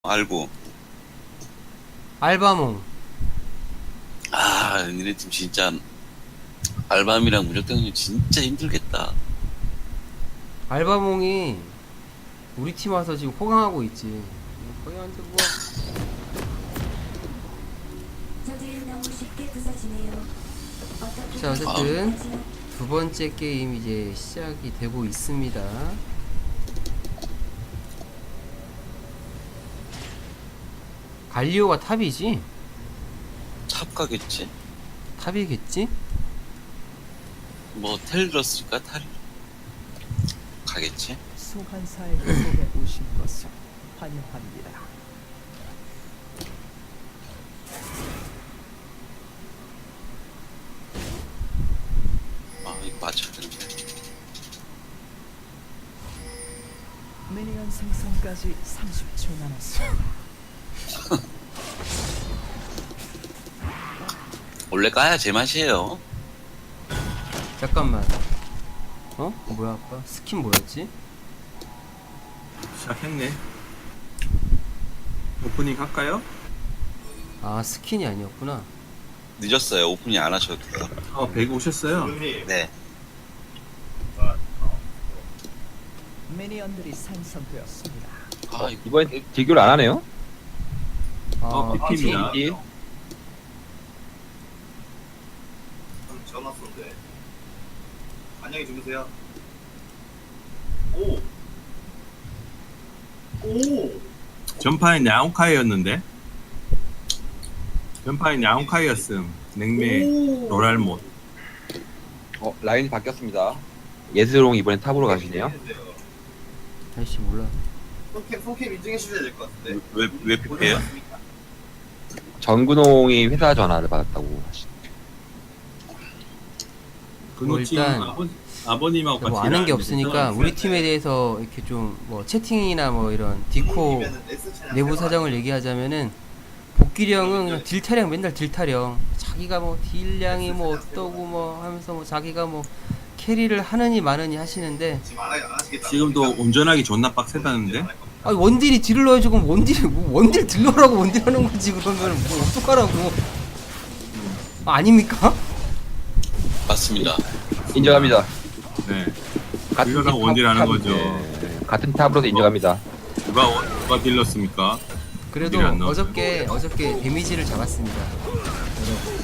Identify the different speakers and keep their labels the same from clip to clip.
Speaker 1: 알고.
Speaker 2: 알바몽.
Speaker 1: 니네 팀 진짜 알밤이랑 무적대응이 진짜 힘들겠다.
Speaker 2: 알바몽이 우리 팀 와서 지금 호강하고 있지. 거기한테 뭐. 자, 어쨌든 두 번째 게임 이제 시작이 되고 있습니다. 갈리오가 탑이지?
Speaker 1: 탑 가겠지?
Speaker 2: 탑이겠지?
Speaker 1: 뭐 텔 들었을까? 탈 가겠지?
Speaker 3: 소환사의 속에 오신 것을 환영합니다.
Speaker 1: 이거 맞춰야 되는데.
Speaker 3: 미니언 생성까지 30초 남았습니다.
Speaker 1: 원래 까야 제맛이에요.
Speaker 2: 잠깐만. 뭐야, 아까? 스킨 뭐였지?
Speaker 4: 시작했네. 오프닝 할까요?
Speaker 2: 아, 스킨이 아니었구나.
Speaker 1: 늦었어요. 오프닝 안 하셔도 돼요.
Speaker 4: 배그 오셨어요?
Speaker 1: 네.
Speaker 3: 미니언들이 생성되었습니다.
Speaker 1: 이거
Speaker 5: 이번엔 딜교를 안 하네요?
Speaker 4: PP입니다.
Speaker 5: PP인지?
Speaker 6: 전화 왔었는데. 안녕히 주무세요. 오!
Speaker 4: 전파엔 야옹카이였는데? 전파엔 야옹카이였음. 냉매 로랄못.
Speaker 5: 라인이 바뀌었습니다. 예스롱 이번엔 탑으로 가시네요.
Speaker 2: 아이씨, 몰라.
Speaker 6: 손캠 인증해 주셔야 될 것 같은데.
Speaker 1: 왜 피폐해요?
Speaker 5: 전근홍이 회사 전화를 받았다고 하시네요.
Speaker 4: 근호팀
Speaker 2: 일단
Speaker 4: 아버님하고 같이
Speaker 2: 뭐 아는 게
Speaker 4: 일하는데
Speaker 2: 없으니까
Speaker 4: 그죠?
Speaker 2: 우리 팀에 대해서 이렇게 좀 뭐 채팅이나 뭐 이런 디코 내부 사정을 얘기하자면은 복귀령은 그냥 딜타령 맨날 딜타령 자기가 뭐 딜량이 뭐 어떠고 뭐 하면서 뭐 자기가 뭐 캐리를 하느니 마느니 하시는데
Speaker 6: 안 하시겠다.
Speaker 4: 지금도 운전하기 존나 빡세다는데?
Speaker 2: 아 원딜이 딜을 넣어야지 그럼 원딜이 뭐 원딜 딜러라고 원딜 하는 거지 그러면 뭐 어떡하라고 아닙니까?
Speaker 1: 맞습니다.
Speaker 5: 인정합니다.
Speaker 4: 네.
Speaker 5: 같은
Speaker 4: 딜러랑
Speaker 5: 팀
Speaker 4: 원딜 하는
Speaker 5: 탑-
Speaker 4: 거죠.
Speaker 5: 네, 같은 탑으로도 인정합니다.
Speaker 4: 누가 딜렀습니까?
Speaker 2: 그래도
Speaker 4: 원딜이 안 나왔어요.
Speaker 2: 어저께 데미지를 잡았습니다 여러분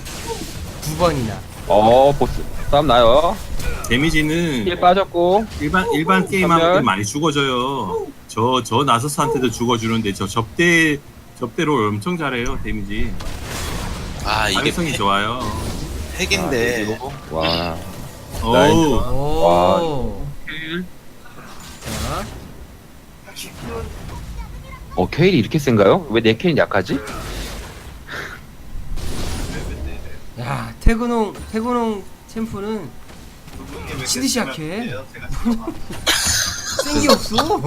Speaker 2: 2번이나
Speaker 5: 보스 싸움 나요.
Speaker 4: 데미지는
Speaker 5: 힐 빠졌고
Speaker 4: 일반 게임하고
Speaker 5: 전멸.
Speaker 4: 많이 죽어져요. 저 나서스한테도 죽어주는데 저 접대로 엄청 잘해요. 데미지.
Speaker 1: 이게
Speaker 4: 가능성이 좋아요.
Speaker 1: 핵인데.
Speaker 5: 와.
Speaker 4: 어우.
Speaker 2: 오 자
Speaker 5: 케일이 이렇게 센가요? 왜 내 케일이 약하지?
Speaker 2: 야, 태근홍 챔프는 미친듯이 약해. 센 게 없어.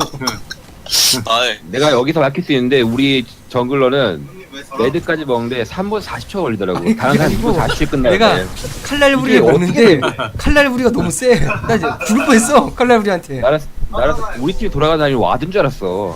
Speaker 5: 내가 여기서 막힐 수 있는데 우리 정글러는 레드까지 먹는데 3분 40초 걸리더라고.
Speaker 2: 아니,
Speaker 5: 다른 사람
Speaker 2: 그게
Speaker 5: 2분
Speaker 2: 아니고
Speaker 5: 40초
Speaker 2: 내가
Speaker 5: 끝나는데
Speaker 2: 칼날부리를
Speaker 5: 이게
Speaker 2: 먹는데 칼날부리가 너무 세. 나 이제 죽을 뻔했어 칼날부리한테.
Speaker 5: 나는 우리 팀이 돌아가다니 와든 줄 알았어.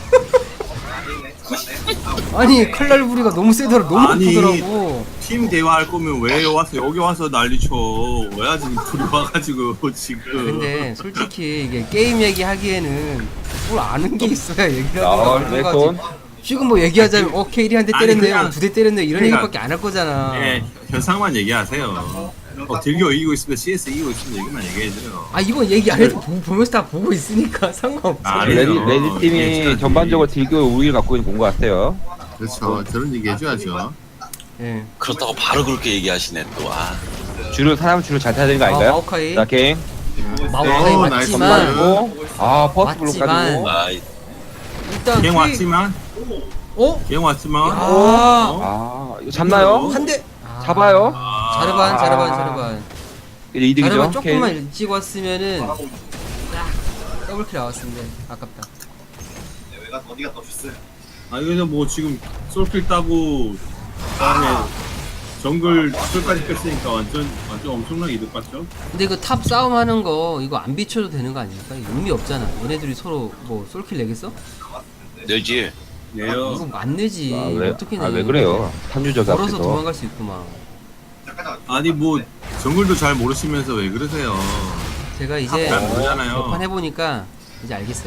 Speaker 2: 아니 칼날부리가 너무 세더라. 너무
Speaker 4: 아니,
Speaker 2: 아프더라고.
Speaker 4: 팀 대화할 거면 왜 와서 여기 와서 난리쳐? 왜 지금 둘이 와가지고 지금?
Speaker 2: 근데 솔직히 이게 게임 얘기하기에는 뭘 아는 게 있어야 얘기를
Speaker 5: 아,
Speaker 2: 하는
Speaker 5: 왜
Speaker 2: 거지.
Speaker 5: 손?
Speaker 2: 지금 뭐 얘기하자면 케일이 한 대
Speaker 4: 아니,
Speaker 2: 때렸네요,
Speaker 4: 그냥-
Speaker 2: 두 대 때렸네요 이런
Speaker 4: 그러니까-
Speaker 2: 얘기밖에 안 할 거잖아.
Speaker 4: 예, 현상만 얘기하세요. 딜교 이기고 있으면 CS 이기고 있으면 얘기만 얘기해줘요.
Speaker 2: 아 이건 얘기 안 해도 보면서 다 보고 있으니까 상관없어.
Speaker 4: 아니에요.
Speaker 5: 레드 팀이
Speaker 4: 예,
Speaker 5: 전반적으로 딜교 우위를 갖고 있는 것 같아요.
Speaker 4: 그렇죠. 저런 얘기 해줘야죠.
Speaker 2: 예.
Speaker 1: 그렇다고 바로 그렇게 얘기하시네 또.
Speaker 5: 사람 줄을 잘 타야 되는 거 아닌가요?
Speaker 2: 마오카이.
Speaker 5: 자, 갱.
Speaker 2: 마오카이
Speaker 4: 오,
Speaker 2: 맞지만
Speaker 5: 그리고 퍼스트 블록
Speaker 2: 맞지만-
Speaker 5: 가지고.
Speaker 2: 일단
Speaker 4: 갱 왔지만,
Speaker 2: 어?
Speaker 4: 갱 왔지만,
Speaker 2: 아,
Speaker 5: 이거 잡나요?
Speaker 2: 한 대.
Speaker 5: 잡아요?
Speaker 2: 자르반.
Speaker 5: 이제 이득이죠.
Speaker 2: 자르반 조금만
Speaker 5: 갱.
Speaker 2: 일찍 왔으면은 더블킬 나왔는데 아깝다.
Speaker 6: 어디가 떠셨어요?
Speaker 4: 이거는 뭐 지금 솔킬 따고, 그다음에 정글 솔까지 뺐으니까 완전 엄청나게 이득 봤죠?
Speaker 2: 근데 그 탑 싸움하는 거 이거 안 비춰도 되는 거 아닙니까? 이거 의미 없잖아. 얘네들이 서로 뭐 솔킬 내겠어?
Speaker 1: 내지.
Speaker 4: 네요.
Speaker 2: 이거 안 내지. 어떻게 내?
Speaker 5: 왜 그래요? 탐유적
Speaker 2: 걸어서
Speaker 5: 앞에서.
Speaker 2: 도망갈 수 있구만.
Speaker 6: 잠깐
Speaker 4: 아니 뭐 정글도 잘 모르시면서 왜 그러세요?
Speaker 2: 제가 이제
Speaker 4: 잘 모르잖아요.
Speaker 2: 몇 판 해보니까 이제 알겠어요.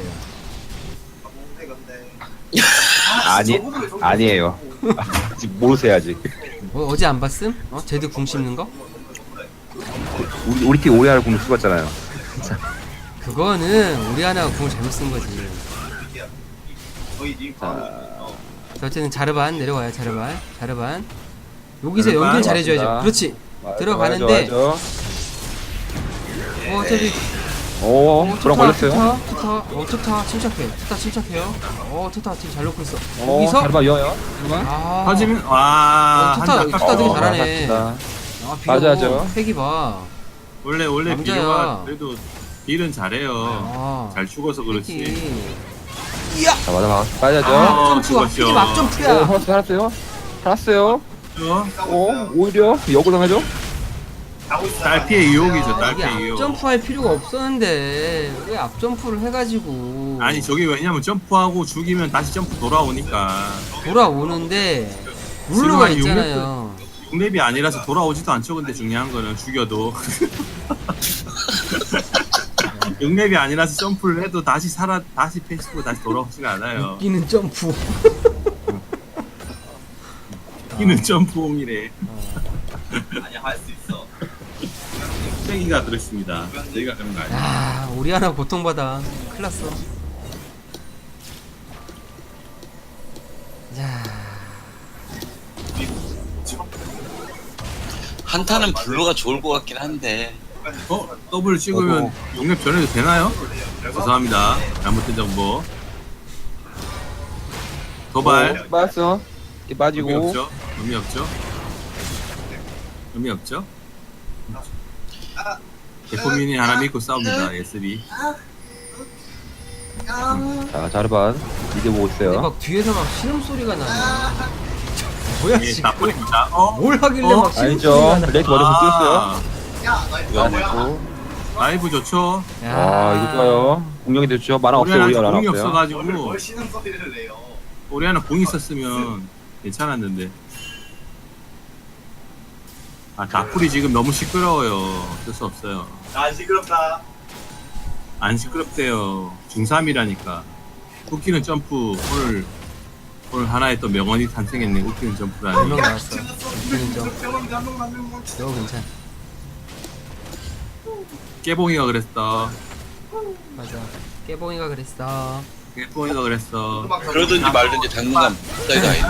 Speaker 5: 아니에요. 아직 모르세요 아직.
Speaker 2: 어제 안 봤음? 제드 궁 씹는 거?
Speaker 5: 우리 팀 오리아를 공을 씹었잖아요.
Speaker 2: 그거는 우리 하나가 궁을 잘못 쓴 거지.
Speaker 6: 저희 님 바로
Speaker 2: 자, 어쨌든 자르반 내려와요. 자르반. 여기서
Speaker 5: 자르반
Speaker 2: 연결 잘해줘야죠.
Speaker 5: 맞습니다.
Speaker 2: 그렇지. 들어가는데 어차피
Speaker 5: 그럼 걸렸어요.
Speaker 2: 투타 침착해요. 투타 지금 잘 놓고 있어.
Speaker 5: 오,
Speaker 2: 여기서
Speaker 5: 자르반 이어요.
Speaker 4: 터지면 와
Speaker 2: 투타
Speaker 4: 한타
Speaker 2: 되게
Speaker 4: 깎았어.
Speaker 2: 잘하네.
Speaker 5: 맞아죠.
Speaker 2: 패기 봐.
Speaker 4: 원래
Speaker 2: 남자야.
Speaker 4: 비료가 그래도 딜은 잘해요.
Speaker 2: 아,
Speaker 4: 잘 죽어서 그렇지.
Speaker 2: 패기.
Speaker 5: 자, 맞아. 빠져죠.
Speaker 2: 점프야.
Speaker 4: 죽었죠.
Speaker 2: 패기 막 점프야.
Speaker 5: 살았어요.
Speaker 4: 어?
Speaker 5: 오히려 역으로 당하죠.
Speaker 4: 딸피의 유혹이죠.
Speaker 2: 이게
Speaker 4: 딸피의 유혹.
Speaker 2: 앞점프할 필요가 없었는데 왜 앞점프를 해가지고
Speaker 4: 아니 저게 왜냐면 점프하고 죽이면 다시 점프 돌아오니까.
Speaker 2: 돌아오는데 룰루가
Speaker 4: 지금 한
Speaker 2: 있잖아요.
Speaker 4: 6렙이 아니라서 돌아오지도 않죠. 근데 중요한 거는 죽여도 6렙이 아니라서 점프를 해도 다시 패시고 다시 돌아오지가 않아요.
Speaker 2: 웃기는 점프.
Speaker 4: 웃기는 점프홈이래.
Speaker 6: 아니야 할 수 있어.
Speaker 4: 땡이가 그랬습니다. 저희가 그런 거 아니에요.
Speaker 2: 아, 우리 하나 고통받아. 큰일 났어. 자,
Speaker 1: 한타는 블루가 좋을 것 같긴 한데
Speaker 4: 더블 찍으면 6렙 전에도 되나요? 죄송합니다. 잘못된 정보. 도발.
Speaker 5: 빠졌어.
Speaker 4: 의미
Speaker 5: 빠지고.
Speaker 4: 없죠? 의미 없죠? 의미 없죠? 대포민이 하나 믿고 싸웁니다. 예스비.
Speaker 5: 자, 자르반 이제 보고
Speaker 2: 근데
Speaker 5: 있어요.
Speaker 2: 막 뒤에서 막 신음 소리가 나네. 뭐야
Speaker 4: 예,
Speaker 2: 지금?
Speaker 4: 나쁘입니다.
Speaker 2: 뭘 하길래 막 신음
Speaker 5: 아니죠.
Speaker 2: 소리가 나?
Speaker 5: 레이트 머리에서 뛰었어요.
Speaker 1: 이거 안
Speaker 5: 그리고
Speaker 4: 라이브 좋죠?
Speaker 5: 이거 좋아요. 공격이 됐죠. 만화 없어요. 우리가
Speaker 4: 우리한테
Speaker 5: 만화
Speaker 4: 공이
Speaker 5: 없어요.
Speaker 4: 없어가지고
Speaker 6: 뭘 신음 소리를 내요.
Speaker 4: 우리 하나 공 있었으면 괜찮았는데. 다풀이 지금 너무 시끄러워요. 어쩔 수 없어요.
Speaker 6: 아 시끄럽다.
Speaker 4: 안 시끄럽대요. 중3이라니까. 웃기는 점프. 오늘 하나의 또 명언이 탄생했네. 웃기는 점프라니.
Speaker 2: 분명 나왔어. 웃기는 점. 너 괜찮아.
Speaker 4: 깨봉이가 그랬어.
Speaker 2: 맞아. 깨봉이가 그랬어.
Speaker 4: 깨봉이가 그랬어.
Speaker 1: 그러든지 말든지 당분간 사이가 아닌데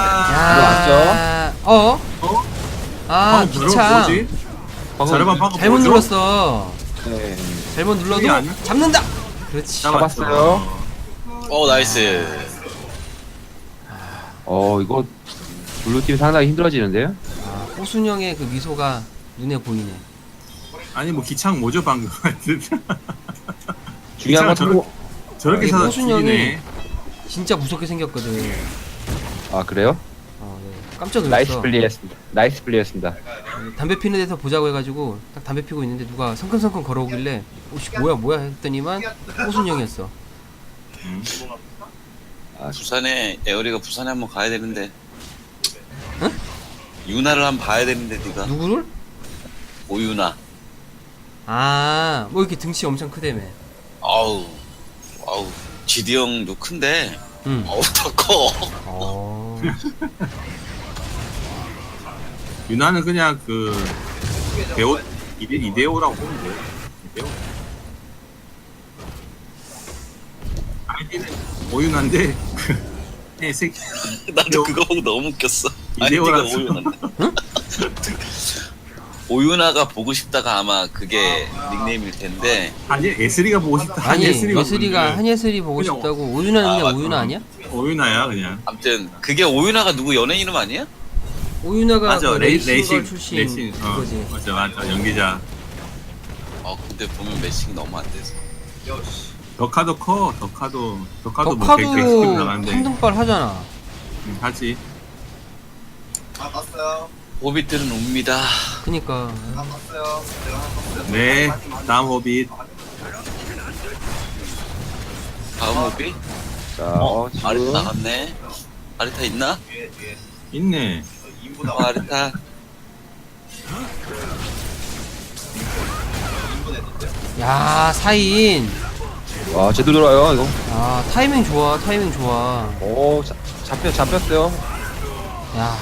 Speaker 2: 야, 어? 아, 기차.
Speaker 4: 뭐지? 자르반 방금
Speaker 2: 잘못
Speaker 4: 뭐죠?
Speaker 2: 눌렀어.
Speaker 5: 네.
Speaker 2: 잘못
Speaker 4: 그게
Speaker 2: 눌러도
Speaker 4: 아니야?
Speaker 2: 잡는다. 그렇지.
Speaker 5: 잡았어요.
Speaker 1: 나이스.
Speaker 5: 이거 블루팀 상당히 힘들어지는데요.
Speaker 2: 호순영의 그 미소가 눈에 보이네.
Speaker 4: 아니 뭐 기창 뭐죠 방금?
Speaker 5: 중요한 건
Speaker 4: 저렇게- 저렇게
Speaker 2: 아니,
Speaker 4: 사다
Speaker 2: 호순영이
Speaker 4: 죽이네.
Speaker 2: 진짜 무섭게 생겼거든.
Speaker 5: 그래요?
Speaker 2: 네. 깜짝
Speaker 5: 나이스
Speaker 2: 놀랐어.
Speaker 5: 플레이였습니다. 나이스 플레이였습니다.
Speaker 2: 담배 피는 데서 보자고 해가지고 딱 담배 피고 있는데 누가 성큼성큼 걸어오길래 오씨 뭐야 했더니만 호순영이었어.
Speaker 1: 부산에 에어리가 부산에 한번 가야 되는데
Speaker 2: 응?
Speaker 1: 유나를 한번 봐야 되는데 네가
Speaker 2: 누구를?
Speaker 1: 오유나.
Speaker 2: 뭐 이렇게 등치 엄청 크다며.
Speaker 1: 아우 지디 형도 큰데
Speaker 2: 응.
Speaker 1: 더 커.
Speaker 4: 유나는 그냥 그 배우 이대호라고 보면 돼요. 이대호. 아이디는 오윤한데 색
Speaker 1: 나도 그거 보고 너무 웃겼어.
Speaker 4: 이대호랑
Speaker 1: 아이디가 오유나. 오유나가 보고 싶다가 아마 그게 닉네임일 텐데
Speaker 4: 아니 예슬이가 보고 싶다.
Speaker 2: 아니
Speaker 4: 한예슬이가
Speaker 2: 예슬이가
Speaker 4: 보는데.
Speaker 2: 한예슬이 보고
Speaker 4: 그냥
Speaker 2: 싶다고. 오윤아는 그냥
Speaker 1: 맞다.
Speaker 2: 오윤아 아니야?
Speaker 4: 오윤아야 그냥.
Speaker 1: 아무튼 그게 오유나가 누구 연예인 이름 아니야?
Speaker 2: 오윤아가
Speaker 4: 맞아
Speaker 2: 그
Speaker 4: 레이싱
Speaker 2: 레이싱걸 출신
Speaker 4: 레이싱
Speaker 2: 그거지.
Speaker 4: 맞아 연기자.
Speaker 1: 근데 보면 매칭 너무 안 돼서.
Speaker 4: 덕카도 커 덕카도 뭐
Speaker 2: 덕카도
Speaker 4: 객스키로 나가는데
Speaker 2: 3등발 하잖아.
Speaker 4: 하지.
Speaker 6: 봤어요.
Speaker 1: 호빗들은 옵니다.
Speaker 2: 그니까
Speaker 6: 봤어요. 내가 봤어요.
Speaker 4: 네 다음 호빗.
Speaker 1: 다음 호빗?
Speaker 5: 자,
Speaker 1: 아리타
Speaker 5: 지금
Speaker 1: 나갔네. 아리타 있나?
Speaker 6: 뒤에
Speaker 4: 있네.
Speaker 6: 인보다
Speaker 1: 아리타.
Speaker 6: 인보 됐는데.
Speaker 2: 야, 4인.
Speaker 5: 와, 제대로 돌아요, 이거.
Speaker 2: 아, 타이밍 좋아, 타이밍 좋아.
Speaker 5: 오, 잡혔어요.
Speaker 2: 야,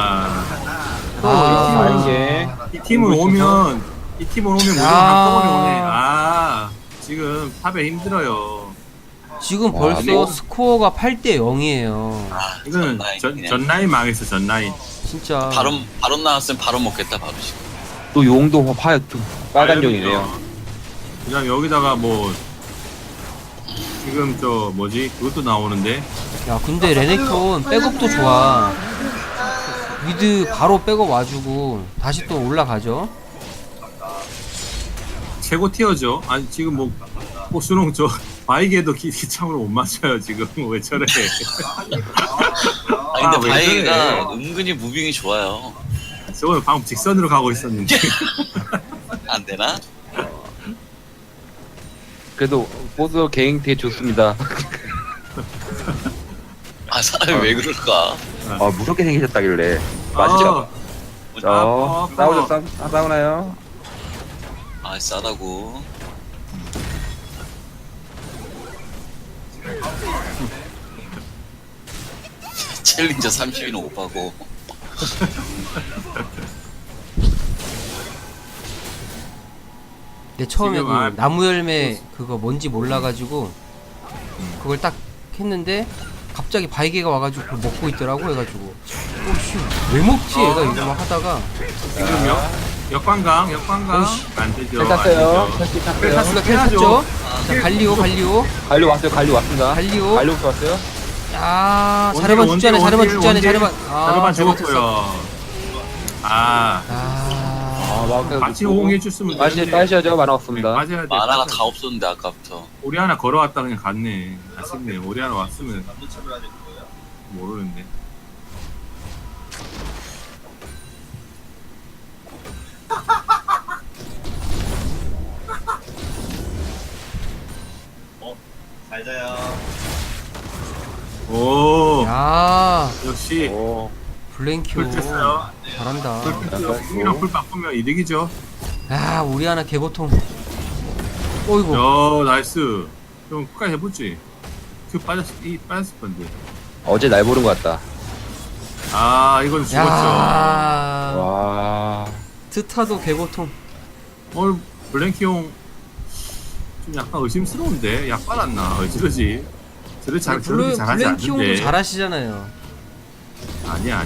Speaker 5: 아, 이게.
Speaker 4: 이 팀을 오면 무조건 한꺼번에 오네. 아, 지금 탑에 힘들어요.
Speaker 2: 지금
Speaker 5: 와,
Speaker 2: 벌써
Speaker 5: 뭐.
Speaker 2: 스코어가 8대 0이에요.
Speaker 1: 아,
Speaker 4: 이거는
Speaker 1: 전라인
Speaker 4: 전 라인 망했어, 전 라인.
Speaker 2: 진짜.
Speaker 1: 바론 나왔으면 바론 먹겠다 바로 지금.
Speaker 5: 또 용도 빨간 용이네요.
Speaker 4: 그냥 여기다가 뭐 지금 저 뭐지 그것도 나오는데
Speaker 2: 야, 근데 레넥톤 백업도 좋아. 미드 바로 백업 와주고 다시 또 올라가죠.
Speaker 4: 최고 티어죠. 아니 지금 뭐 보수농 저 바이게도 기창으로 못 맞춰요 지금. 왜 저래?
Speaker 1: 아니 근데
Speaker 4: 왜
Speaker 1: 바이가
Speaker 4: 그래?
Speaker 1: 은근히 무빙이 좋아요.
Speaker 4: 저거는 방금 직선으로 가고 있었는데.
Speaker 1: 안 되나?
Speaker 5: 그래도 보스 개인 되게 좋습니다.
Speaker 1: 아 사람이 왜 그럴까?
Speaker 5: 아, 무섭게 생기셨다길래. 맞죠? 싸우나요?
Speaker 1: 아 싸다고. 챌린저 30인 오빠고.
Speaker 2: 근데 처음에
Speaker 4: 지금
Speaker 2: 그 나무 열매 그거 뭔지 몰라가지고 그걸 딱 했는데 갑자기 바이게가 와가지고 그걸 먹고 있더라고 해가지고 오씨 왜 먹지 얘가 이거 막 하다가
Speaker 4: 지금 역관광
Speaker 2: 어이씨.
Speaker 4: 안 되죠.
Speaker 5: 잘 탔어요.
Speaker 4: 안 되죠.
Speaker 5: 설치 탔어요.
Speaker 4: 탔어요.
Speaker 2: 우리가 텔 탔죠. 자 갈리오
Speaker 5: 갈리 왔습니다.
Speaker 2: 갈리오.
Speaker 5: 갈리부터 왔어요.
Speaker 2: 야 자르반 죽지 않아 자르반 죽지 않아 자르반
Speaker 4: 자르반
Speaker 2: 잘못했어.
Speaker 4: 죽었고요. 아, 같이 호응해 줬으면
Speaker 5: 빠셔야죠. 만화 없습니다.
Speaker 4: 맞아야 돼.
Speaker 1: 만화가 다 없었는데 아까부터.
Speaker 4: 우리 하나 걸어왔다 그냥 갔네. 아쉽네. 우리 하나 왔으면
Speaker 6: 감도체를 하는 거예요?
Speaker 4: 모르는데.
Speaker 6: 잘 자요.
Speaker 4: 오,
Speaker 2: 야
Speaker 4: 역시
Speaker 5: 오,
Speaker 2: 블랭큐
Speaker 4: 풀 쳤어요.
Speaker 2: 잘한다.
Speaker 4: 풀이랑 풀 바꾸면 이득이죠.
Speaker 2: 야 우리 하나 개고통. 어이구.
Speaker 4: 야, 나이스. 좀 끝까지 해보지. 그 빠졌을 건데.
Speaker 5: 어제 날 보는 것 같다.
Speaker 4: 아, 이건 죽었죠.
Speaker 2: 야
Speaker 5: 와,
Speaker 2: 트타도 개고통.
Speaker 4: 오늘 블랭키 형 좀 약간 의심스러운데 약 빨았나 어찌러지 저렇게 잘하지
Speaker 2: 블랭키 형도
Speaker 4: 않는데.
Speaker 2: 잘하시잖아요.
Speaker 4: 아니야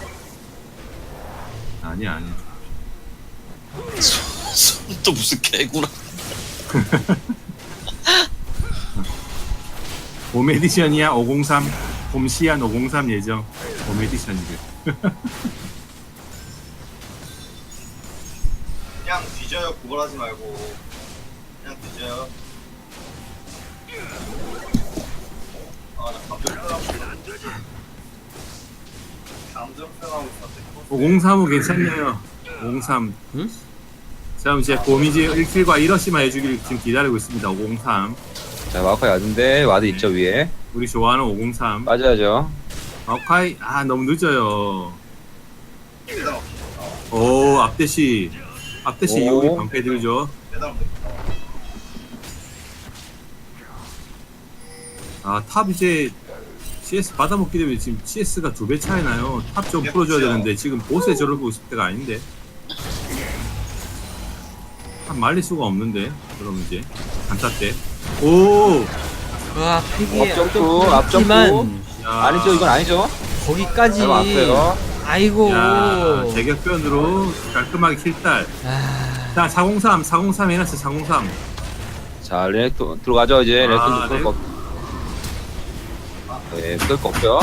Speaker 1: 또 무슨 개구나.
Speaker 4: 봄 에디션이야 503 봄시안 503 예정 봄 에디션이래.
Speaker 6: 그냥 뒤져요. 구걸하지 말고. 그냥 뒤져요. 아, 나 감정 표현하고 있어. 감정 표현하고 있었는데.
Speaker 4: 503은 괜찮네요. 503.
Speaker 2: 응?
Speaker 4: 자, 이제 봄이지 1킬과 1러시만 해주길 지금 기다리고 있습니다. 503.
Speaker 5: 자 마우카이 왔는데 와드 있죠 위에.
Speaker 4: 우리 좋아하는 503.
Speaker 5: 맞아야죠.
Speaker 4: 마오카이 너무 늦어요. 오, 앞대시
Speaker 5: 오.
Speaker 4: 여기 방패 들죠. 탑 이제 CS 받아먹기 때문에 지금 CS가 2배 차이 나요. 탑 좀 풀어줘야 되는데 지금 보스에 저러고 있을 때가 아닌데. 탑 말릴 수가 없는데. 그럼 이제 단타 때. 오,
Speaker 2: 와 팩이
Speaker 5: 앞점프,
Speaker 2: 하지만
Speaker 4: 야,
Speaker 5: 아니죠, 이건 아니죠.
Speaker 2: 거기까지.
Speaker 5: 잘 왔어요.
Speaker 2: 아이고.
Speaker 4: 야, 제격변으로 깔끔하게 킬딸.
Speaker 2: 아,
Speaker 4: 자, 403 해놨어. 403.
Speaker 5: 자 레넥톤 들어가죠 이제. 레넥톤
Speaker 4: 네.
Speaker 5: 끌거. 네, 끌거 없죠.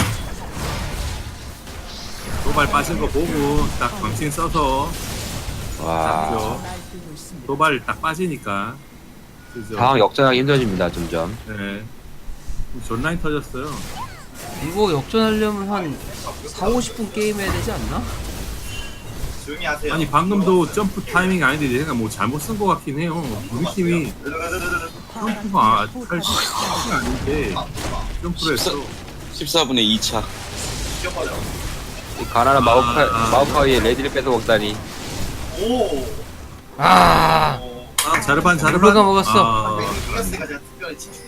Speaker 4: 도발 빠진 거 보고 딱 방침 써서
Speaker 5: 와,
Speaker 4: 잡죠.
Speaker 3: 날뛰고 있습니다.
Speaker 4: 도발 딱 빠지니까. 그죠?
Speaker 5: 상황 역전하기 힘들어집니다 점점.
Speaker 4: 네. 존라인 터졌어요.
Speaker 2: 이거 역전하려면 한 4, 50분 게임 해야 되지 않나?
Speaker 6: 조용히 하세요.
Speaker 4: 아니 방금도 점프 타이밍이 아닌데 내가 뭐 잘못 쓴 것 같긴 해요. 우리 팀이 점프가 할 시간이 아닌데 점프를 했어.
Speaker 1: 14분의 2차.
Speaker 6: 죽여버려.
Speaker 5: 이 가난한 마오카이의 레디를 뺏어 먹다니.
Speaker 6: 오.
Speaker 2: 아
Speaker 4: 아 자르반
Speaker 2: 블루가 먹었어.
Speaker 4: 아,
Speaker 6: 플러스가 제가 특별히 지키니.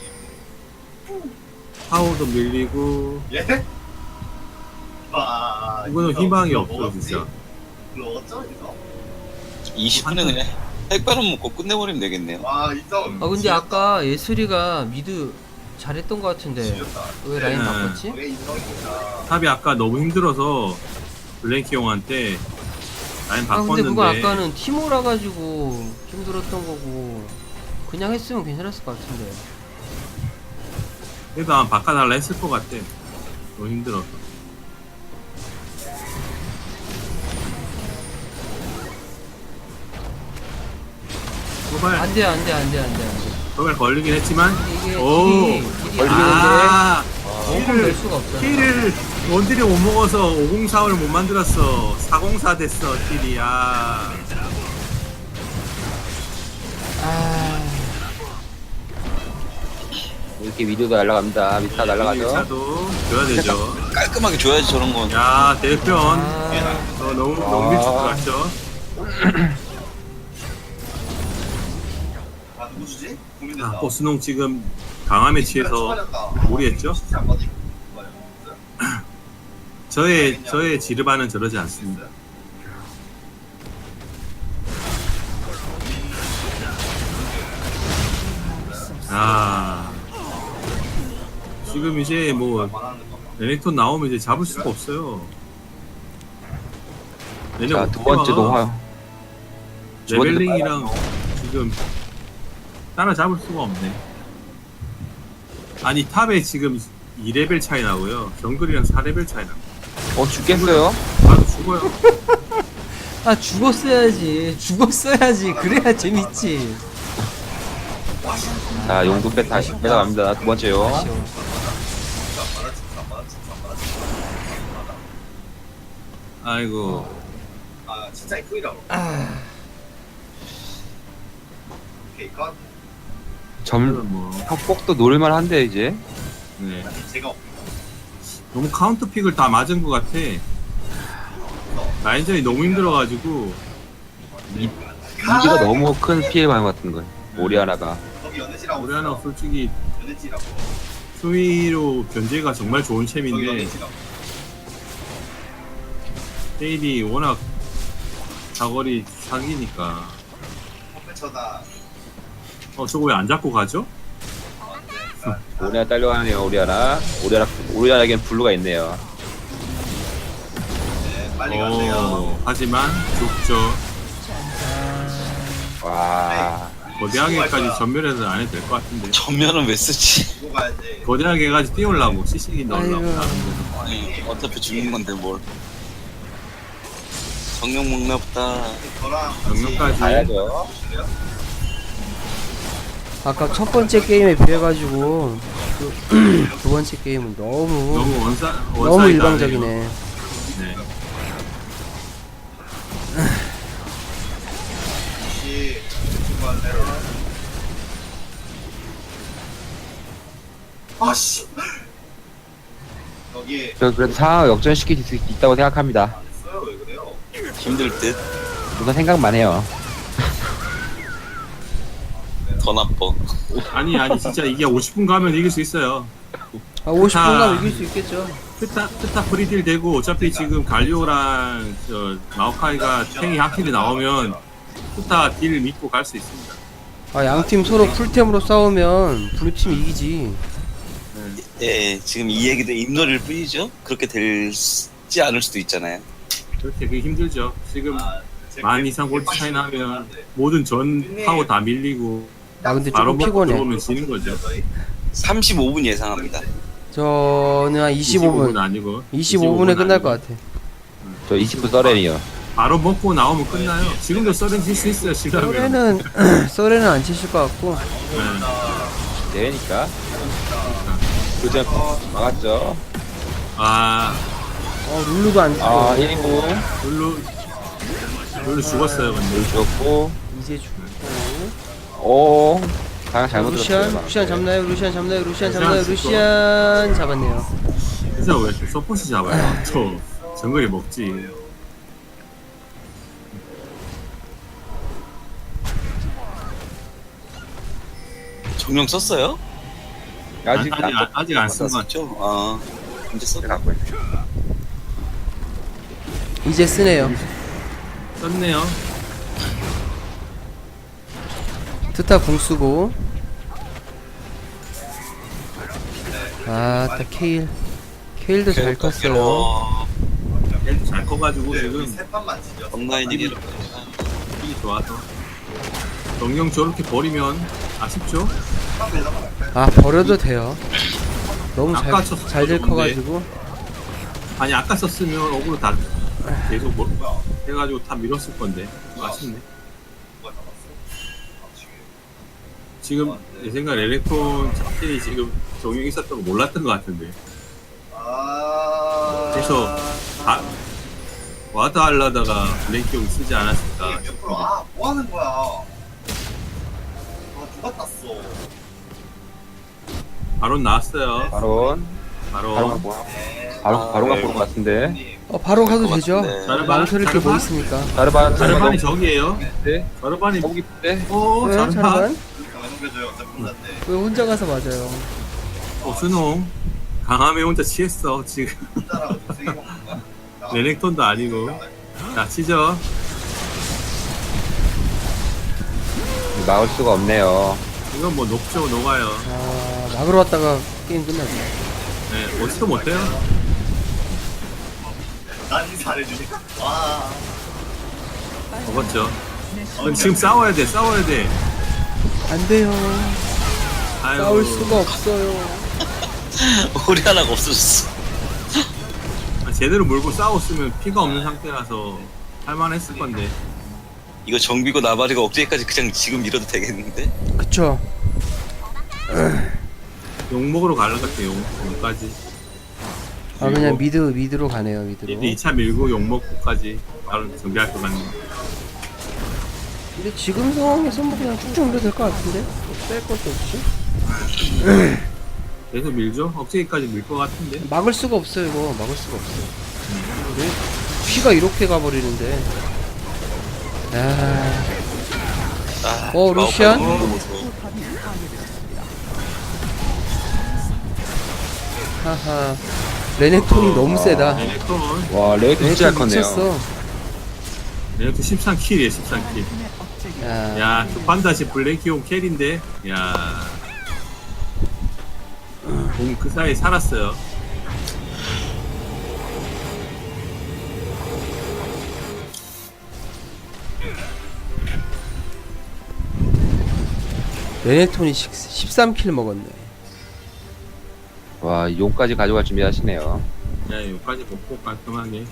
Speaker 4: 파워도 밀리고
Speaker 6: 예? 와.
Speaker 4: 이거는
Speaker 6: 이거
Speaker 4: 희망이
Speaker 6: 이거
Speaker 4: 없어
Speaker 6: 먹었지?
Speaker 4: 진짜.
Speaker 6: 이거 먹었죠 이거?
Speaker 1: 20분에 그냥 핵바람 먹고 끝내버리면 되겠네요.
Speaker 6: 와 이거.
Speaker 2: 아 근데 아까 예슬이가 미드 잘했던 것 같은데 왜 라인
Speaker 4: 네.
Speaker 2: 바꿨지?
Speaker 6: 왜 인성입니다.
Speaker 4: 탑이 아까 너무 힘들어서 블랭키 형한테 라인
Speaker 2: 아 근데 그거
Speaker 4: 바꿨는데
Speaker 2: 아까는 티모라 가지고 힘들었던 거고 그냥 했으면 괜찮았을 것 같은데.
Speaker 4: 그래도 아마 바꿔달라 했을 것 같아. 너무 힘들어서. 도발 도발 걸리긴 했지만
Speaker 2: 이게
Speaker 4: 오.
Speaker 2: 딜이
Speaker 5: 걸리겠는데?
Speaker 4: 아
Speaker 2: 원컴 될 수가 없잖아.
Speaker 4: 킬을 원딜이 못 먹어서 504를 못 만들었어. 404 됐어 킬이. 아
Speaker 5: 이렇게 위도도 날아갑니다. 미스타 날아가죠.
Speaker 4: 차도 줘야 되죠.
Speaker 1: 깔끔하게 줘야지 저런 건.
Speaker 4: 야 대편
Speaker 2: 아,
Speaker 4: 너무 일찍 들어갔죠.
Speaker 6: 아 누구 주지? 고민된다.
Speaker 4: 아, 보스농 지금 강함에 취해서 무리했죠? 저의 지르바는 저러지 않습니다. 아 지금 이제 뭐 레넥톤 나오면 이제 잡을 수가 없어요.
Speaker 5: 자, 두 번째 노화. 두 번째
Speaker 4: 레벨링이랑 지금 따라 잡을 수가 없네. 아니 탑에 지금 2레벨 차이 나고요. 정글이랑 4레벨 차이 나.
Speaker 5: 죽겠어요?
Speaker 4: 나도 죽어요.
Speaker 2: 아 죽었어야지. 그래야 재밌지.
Speaker 5: 자, 용도 다시 빼나갑니다. 두 번째요.
Speaker 2: 아쉬워.
Speaker 4: 아이고.
Speaker 6: 아 진짜 이쁘이라고. 오케이 컷.
Speaker 5: 점 협곡도 노릴만 한데 이제.
Speaker 4: 네.
Speaker 6: 제가
Speaker 4: 너무 카운터 픽을 다 맞은 것 같아. 라인전이 너무 힘들어가지고.
Speaker 5: 미드가 너무 큰 피해를 받는 것 같은 거예요. 오리아나가.
Speaker 6: 거기 연애지라고.
Speaker 4: 우리 하나 솔직히
Speaker 6: 연애지라고.
Speaker 4: 수위로 견제가 정말 좋은
Speaker 6: 거기
Speaker 4: 챔인데
Speaker 6: 연애지라고.
Speaker 4: 세일이 워낙 사거리 사기니까.
Speaker 6: 컴퓨터다.
Speaker 4: 저거 왜 안 잡고 가죠?
Speaker 5: 오리아나 딸려가네요. 오리아나에겐 블루가 있네요.
Speaker 6: 네, 빨리 가세요.
Speaker 4: 하지만 죽죠.
Speaker 5: 와.
Speaker 4: 거대하게까지 전멸해서 안 해도 될 것 같은데.
Speaker 1: 전면은 왜 쓰지?
Speaker 6: 이거 가야지.
Speaker 4: 거대하게까지 띄우려고 CC기 넣으려고.
Speaker 2: 아이고.
Speaker 4: 나름대로.
Speaker 1: 아니 어차피 죽는 건데 뭘. 성령 먹나 보다.
Speaker 6: 저랑
Speaker 4: 영역까지.
Speaker 5: 가야죠.
Speaker 2: 아까 첫 번째 게임에 비해가지고 두 번째 게임은 너무
Speaker 4: 너무
Speaker 2: 너무 일방적이네.
Speaker 4: 네.
Speaker 6: 같이 중간대로. 아씨. 여기
Speaker 5: 저 그래도 상황을 역전시킬 수 있다고 생각합니다.
Speaker 6: 안 했어요. 왜 그래요?
Speaker 1: 힘들 듯.
Speaker 5: 우선 생각만 해요.
Speaker 1: 더 나빠.
Speaker 4: 아니 진짜 이게 50분 가면 이길 수 있어요.
Speaker 2: 50분
Speaker 4: 아.
Speaker 2: 가면 이길 수 있겠죠.
Speaker 4: 트타 프리딜 되고 어차피 지금 갈리오랑 마오카이가 탱이 하킬이 나오면 트타 딜 믿고 갈 수 있습니다.
Speaker 2: 아 양팀 서로 풀템으로 싸우면 블루팀 이기지.
Speaker 1: 예, 지금 이 얘기도 입놀이일 뿐이죠. 그렇게 되지 않을 수도 있잖아요.
Speaker 4: 그렇게 그게 힘들죠. 지금
Speaker 6: 제가
Speaker 4: 만 이상 골드 차이 나면 모든 전 파워 다 밀리고
Speaker 2: 아 근데
Speaker 4: 바로
Speaker 2: 조금
Speaker 4: 먹고
Speaker 2: 피곤해.
Speaker 4: 들어오면 지는 거죠.
Speaker 1: 35분 예상합니다.
Speaker 2: 저는 한
Speaker 4: 25분
Speaker 2: 25분
Speaker 4: 아니고
Speaker 2: 25분에 끝날
Speaker 4: 아니고.
Speaker 2: 것 같아.
Speaker 5: 저 20분 서렌이요.
Speaker 4: 바로 먹고 나오면 끝나요. 지금도 서렌 칠수 있어요. 시간이면.
Speaker 2: 썰에는 안 치실 것 같고.
Speaker 5: 대회니까. 그전 막았죠.
Speaker 4: 아
Speaker 2: 룰루도 안 치고.
Speaker 5: 1인분.
Speaker 4: 별로 별로 죽었어요 근데.
Speaker 5: 죽었고.
Speaker 2: 이제 죽고.
Speaker 5: 오. 방향 잘못
Speaker 2: 루시안,
Speaker 5: 들었어요.
Speaker 2: 루시안 잡나요? 루시안 잡나요? 루시안
Speaker 4: 루시안
Speaker 2: 잡나요?
Speaker 4: 죽고.
Speaker 2: 루시안 잡았네요.
Speaker 4: 그래서 왜 서포트 잡아요? 또 정글이 먹지.
Speaker 1: 정령 썼어요?
Speaker 5: 아직
Speaker 4: 아직 안 쓴 것 같아.
Speaker 1: 썼죠? 아 이제 썼.
Speaker 5: 갖고 있어.
Speaker 2: 이제 쓰네요.
Speaker 4: 썼네요.
Speaker 2: 트타 궁 쓰고. 딱 케일도 잘 컸어요.
Speaker 4: 얘도 잘 커가지고 지금
Speaker 6: 세 판만 지죠.
Speaker 1: 온라인이
Speaker 4: 힘이 좋아서. 정령 저렇게 버리면 아쉽죠?
Speaker 2: 버려도 돼요. 너무
Speaker 4: 아까 쳤어도
Speaker 2: 잘될
Speaker 4: 좋은데.
Speaker 2: 커가지고.
Speaker 4: 아니 아까 썼으면 어그로 다 계속 해가지고 다 밀었을 건데 아쉽네. 지금 내 생각 엘렉트론 자체이 지금 적용이 있었던 거 몰랐던 것 같은데. 그래서 와드 하려다가 블랙기용 쓰지 않았을까 싶은데.
Speaker 6: 뭐 하는 거야? 누가 땄어?
Speaker 4: 바론 나왔어요.
Speaker 5: 바론.
Speaker 4: 바론.
Speaker 5: 바론 갖고. 바론 갖고 온 것 같은데.
Speaker 2: 바로 가도 되죠.
Speaker 4: 자르반?
Speaker 2: 망설일 게 뭐
Speaker 4: 자르반?
Speaker 2: 있습니까?
Speaker 5: 자르반.
Speaker 4: 자르반이 저기에요.
Speaker 5: 네.
Speaker 4: 자르반이
Speaker 5: 거기 때.
Speaker 2: 왜
Speaker 4: 자르반.
Speaker 2: 자르반?
Speaker 6: 왜 넘겨줘요? 어차피 혼자인데.
Speaker 2: 왜 혼자 가서 맞아요?
Speaker 4: 순홍. 강함에 혼자 취했어 지금.
Speaker 6: 혼자라고 좀 세게 먹는 거야?
Speaker 4: 레넥톤도 아니고. 자 치죠.
Speaker 5: 막을 수가 없네요.
Speaker 4: 이건 뭐 녹죠 녹아요.
Speaker 2: 막으러 왔다가 게임 끝났네.
Speaker 4: 네, 어찌도 못해요.
Speaker 6: 난 인사 안 해주네. 와.
Speaker 4: 먹었죠. 그럼 지금 싸워야 돼.
Speaker 2: 안 돼요.
Speaker 4: 아유,
Speaker 2: 싸울 수가 없어요.
Speaker 1: 오리 하나가 없어졌어.
Speaker 4: 제대로 물고 싸웠으면 피가 없는 상태라서 할만했을 건데.
Speaker 1: 이거 정비고 나발이가 억제기까지 그냥 지금 밀어도 되겠는데?
Speaker 2: 그쵸.
Speaker 4: 욕 먹으러 가는 것 같아. 욕까지.
Speaker 2: 그냥 미드로 가네요, 미드로.
Speaker 4: 이제 2차 밀고 욕 먹고까지 바로 정비할 것 같네.
Speaker 2: 근데 지금 상황에서 뭐 그냥 쭉쭉 밀어도 될 것 같은데? 뺄 것도 없이.
Speaker 4: 계속 밀죠? 억제기까지 밀 것 같은데.
Speaker 2: 막을 수가 없어요, 이거. 막을 수가 없어요. 근데 피가 이렇게 가버리는데. 루시안? 하하. 레넥톤이 너무 세다.
Speaker 4: 레넥톤.
Speaker 5: 와, 레이크 진짜 잘 컸네요.
Speaker 2: 미쳤어.
Speaker 4: 레넥톤 13킬이에요, 13킬. 야, 그 판다시 블랙기용 캐리인데. 야. 공 그 사이에 살았어요.
Speaker 2: 레넥톤이 13킬 먹었네.
Speaker 5: 와, 용까지 가져갈 준비하시네요.
Speaker 4: 야, 여기까지 먹고 깔끔하게.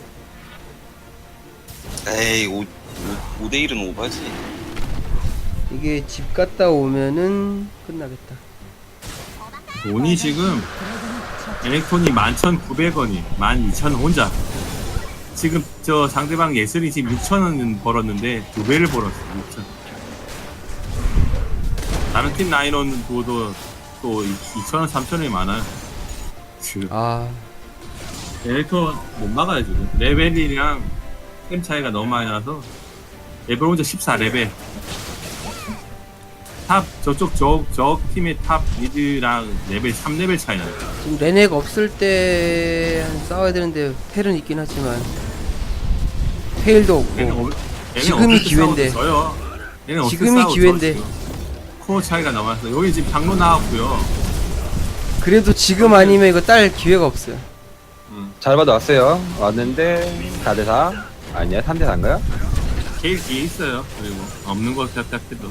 Speaker 1: 에이 5대1은 오바지.
Speaker 2: 이게 집 갔다 오면은 끝나겠다.
Speaker 4: 돈이 지금 엘렉톤이 11,900원이 12,000원 혼자. 지금 저 상대방 예슬이 지금 6,000원 벌었는데 2배를 벌었어. 6,000. 다른 팀 라인원 두어도 또 2,000원, 3,000원이 많아요. 지금 엘렉톤 못 막아요 지금. 레벨이랑 템 차이가 너무 많이 나서 레벨 혼자 14레벨. 탑 저쪽 저 팀의 탑 미드랑 레벨 3레벨 차이 나요.
Speaker 2: 지금 레넥 없을 때 싸워야 되는데 텔은 있긴 하지만 테일도 없고 지금이 기회인데. 지금이 기회인데.
Speaker 4: 코어 차이가 너무 나서 여기 지금 장로 나왔고요.
Speaker 2: 그래도 지금 아니면 이거 딸 기회가 없어요.
Speaker 5: 잘 봐도 왔어요. 왔는데 4대4 아니야 3대4인가요?
Speaker 4: 제일 뒤에 있어요. 그리고 없는 것 같아도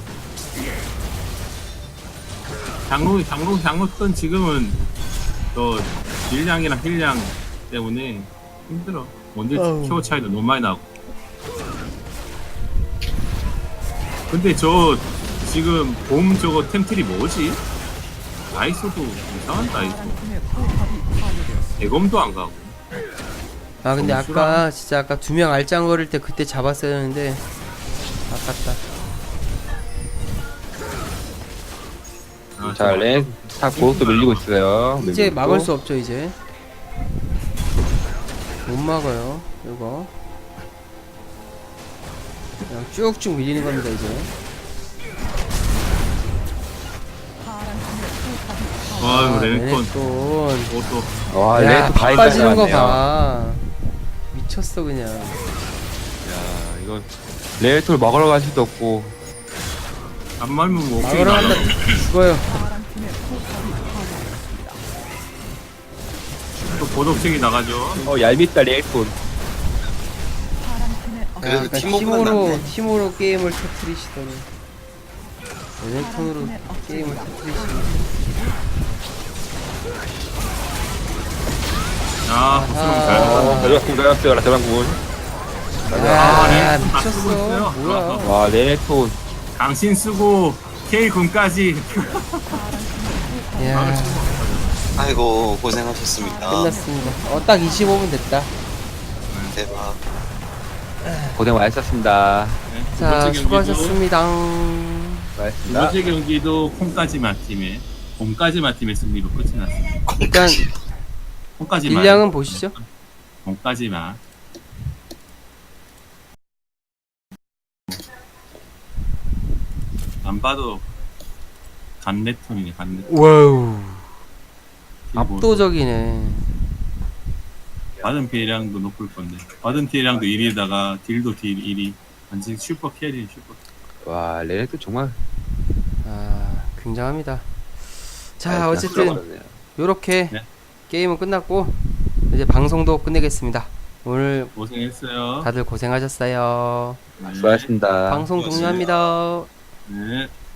Speaker 4: 장로던 지금은 또 딜량이랑 힐량 때문에 힘들어. 원딜 키워 차이도 너무 많이 나고. 근데 저 지금 봄 저거 템틀이 뭐지? 다이소도 이상한 다이소. 대검도 안 가고.
Speaker 2: 아 근데
Speaker 4: 너무
Speaker 2: 아까 진짜 아까 2명 알짱 거릴 때 그때 잡았어야 했는데 아깝다.
Speaker 4: 아,
Speaker 5: 자, 렌, 다 고속도 밀리고 있어요.
Speaker 2: 이제
Speaker 5: 밀리고
Speaker 2: 막을
Speaker 5: 있고.
Speaker 2: 수 없죠 이제. 못 막아요 이거. 그냥 쭉쭉 밀리는 겁니다 이제.
Speaker 4: 아이고 레넥톤
Speaker 2: 레넥톤.
Speaker 4: 그것도
Speaker 5: 와,
Speaker 2: 야,
Speaker 5: 렌
Speaker 2: 다 빠지는 거
Speaker 5: 야,
Speaker 2: 봐. 미쳤어 그냥.
Speaker 5: 이건 레이톨 먹으러 갈 수도 없고.
Speaker 4: 안 말면 뭐 오케이
Speaker 2: 막으러
Speaker 4: 나가.
Speaker 2: 간다 죽어요.
Speaker 4: 또 보독책이 나가죠.
Speaker 5: 얄밉다, 레이톨.
Speaker 1: 그래도
Speaker 2: 약간
Speaker 1: 팀워크는 낫네.
Speaker 2: 팀으로 게임을 터트리시더니 레넥톤으로 게임을 터트리시더니.
Speaker 4: 야 부수면 잘
Speaker 2: 아하.
Speaker 5: 대박군, 대박군.
Speaker 2: 야
Speaker 4: 레넥톤 다 쓰고
Speaker 2: 미쳤어
Speaker 4: 있어요.
Speaker 2: 뭐야.
Speaker 5: 와, 레이톨.
Speaker 4: 강신 쓰고 K 군까지.
Speaker 2: 야
Speaker 1: 아이고 고생하셨습니다.
Speaker 2: 끝났습니다. 딱 25분 됐다.
Speaker 1: 대박.
Speaker 5: 고생 많으셨습니다.
Speaker 2: 자 수고하셨습니다.
Speaker 5: 고맙습니다.
Speaker 4: 두 번째 경기도 콩까지마 팀의 승리로 끝이 났습니다.
Speaker 2: 일단
Speaker 4: 콩까지마.
Speaker 2: 딜량은 보시죠.
Speaker 4: 콩까지마. 안 봐도 간레톤이네 간레톤.
Speaker 2: 와우 압도적이네.
Speaker 4: 받은 피해량도 높을 건데 받은 피해량도 1위에다가 딜도 딜 1위. 완전 슈퍼 캐리 슈퍼.
Speaker 5: 와, 레이톨 정말.
Speaker 2: 아 굉장합니다. 자
Speaker 5: 그냥
Speaker 2: 어쨌든
Speaker 5: sul어버렸네요.
Speaker 2: 요렇게
Speaker 4: 네.
Speaker 2: 게임은 끝났고 이제 방송도 끝내겠습니다. 오늘
Speaker 4: 고생했어요.
Speaker 2: 다들 고생하셨어요.
Speaker 4: 네.
Speaker 5: 수고하셨습니다.
Speaker 2: 방송 종료합니다.
Speaker 4: 네.